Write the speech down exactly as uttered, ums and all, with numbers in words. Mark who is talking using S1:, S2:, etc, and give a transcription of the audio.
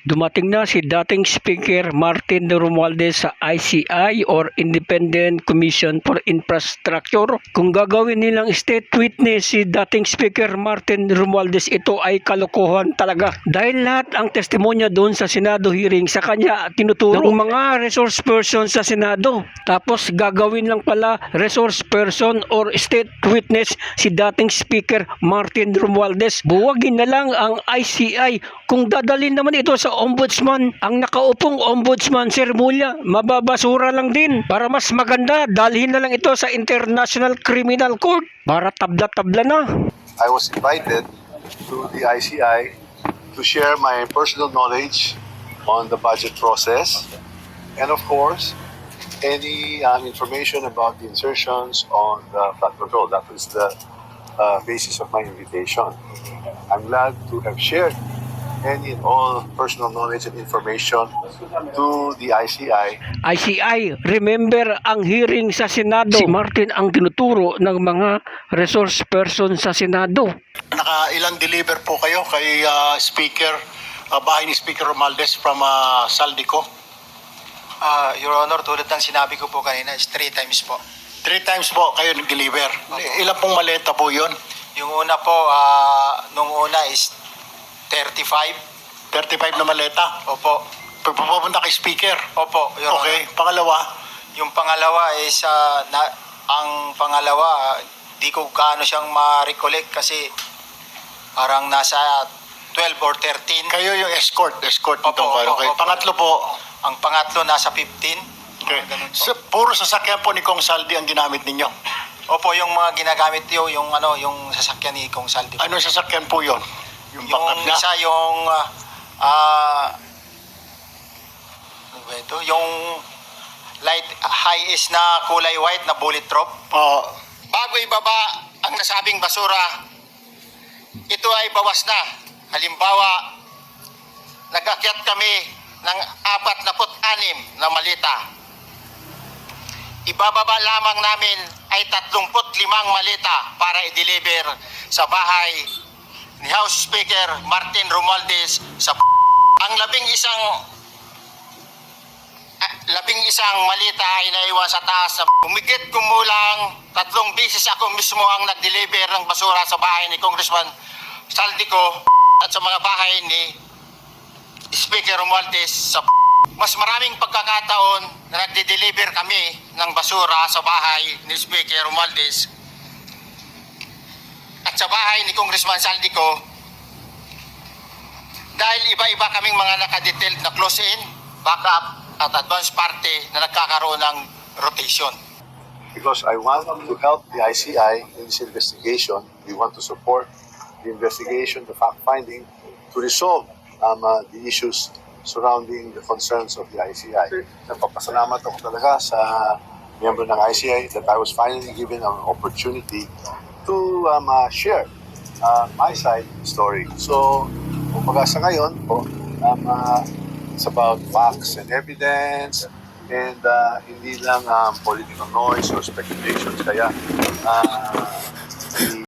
S1: Dumating na si dating Speaker Martin Romualdez sa I C I or Independent Commission for Infrastructure. Kung gagawin nilang state witness si dating Speaker Martin Romualdez, ito ay kalokohan talaga. Dahil lahat ang testimonya doon sa Senado hearing sa kanya tinuturo ng mga resource person sa Senado. Tapos gagawin lang pala resource person or state witness si dating Speaker Martin Romualdez. Buwagin na lang ang I C I. Kung dadalhin naman ito sa ombudsman, ang nakaupong ombudsman, Sir Mulya, mababasura lang din. Para mas maganda, dalhin na lang ito sa International Criminal Court para tabla-tabla na.
S2: I was invited to the I C I to share my personal knowledge on the budget process and of course any uh, information about the insertions on the flood control. That was the uh, basis of my invitation. I'm glad to have shared any and all personal knowledge and information to the I C I.
S1: I C I, remember ang hearing sa Senado. Si Martin ang tinuturo ng mga resource person sa Senado.
S3: Nakailang deliver po kayo kay uh, Speaker, uh, bahay ni Speaker Romualdez from uh, Saldico?
S4: Ah, Your Honor, tulad ng sinabi ko po kanina, is three times po.
S3: Three times po kayo nag-deliver. Ilan pong maleta po yun?
S4: Yung una po, ah, nung una is thirty-five.
S3: thirty-five na maleta?
S4: Opo.
S3: Pagpapunta kay Speaker?
S4: Opo, Your
S3: Okay.
S4: Honor.
S3: Pangalawa?
S4: Yung pangalawa is, ah, na, ang pangalawa, ah, di ko gaano siyang ma-recollect kasi parang nasa twelve or thirteen.
S3: Kayo yung escort. Escort
S4: Opo,
S3: nitong
S4: opo,
S3: okay.
S4: opo.
S3: Pangatlo po?
S4: Ang pangatlo nasa fifteen.
S3: Okay.
S4: Mga ganun po.
S3: So, puro sasakyan po ni Kong Saldi ang ginamit ninyo?
S4: Opo, yung mga ginagamit yun, yung ano, yung sasakyan ni Kong Saldi.
S3: Anong sasakyan po yun? Yung
S4: Yung
S3: backup niya?
S4: isa yung ah ah, ano ba ito? Yung light high is na kulay white na bullet proof.
S3: Oo.
S4: Bago ibaba ang nasabing basura, ito ay bawas na. Halimbawa, nag-akyat kami ng apat na put anim na malita. Ibababa lamang namin ay tatlumput limang malita para i-deliver sa bahay ni House Speaker Martin Romualdez sa p- ang labing isang ah, labing isang malita ay naiwan sa taas. Humigit kumulang tatlong bisis ako mismo ang nag-deliver ng basura sa bahay ni Congressman Saldico at sa mga bahay ni Speaker Romualdez sa p- mas maraming pagkakataon na nagde-deliver kami ng basura sa bahay ni Speaker Romualdez at sa bahay ni Congressman Saldico dahil iba-iba kaming mga nakadetailed na close-in, backup at advance party na nagkakaroon ng rotation.
S2: Because I want to help the I C I in this investigation. We want to support the investigation, the fact-finding, to resolve um, uh, the issues surrounding the concerns of the I C I. Nagpapasalamat ako talaga sa member ng I C I that I was finally given an opportunity to um, uh, share uh, my side of the story. So, kumbaga sa ngayon po, um, uh, it's about facts and evidence and uh, hindi lang um, political noise or speculations. Kaya, uh,